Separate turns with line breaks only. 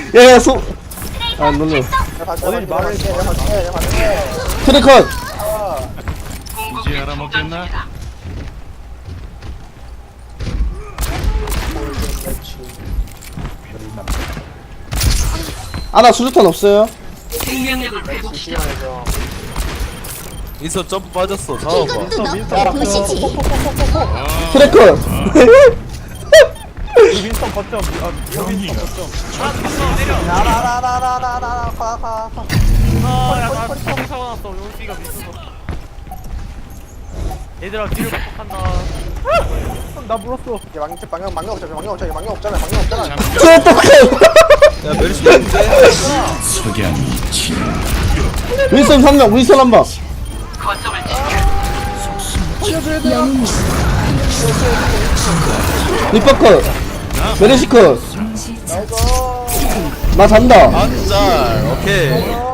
야야 소. 아 놀래.
어디 말을 해.
트래컷.
이제 알아먹겠나?
아나 수류탄 없어요.
인서 점프 빠졌어. 잡아봐.
보시지.
트래컷.
윈스턴 거점. 윈스턴 거점. 나라라라라라라 가.
아야나 사고 났어. 용기가 미쳤어. 얘들아 뒤를 극복한다.
나 물었어. 망령 없잖아.
트래컷.
야 메르시 있는데?
석양이 지
윈선 3명 윈선 한방. 리퍼컷. 메르시컷. 나 잔다.
안짤 오케이.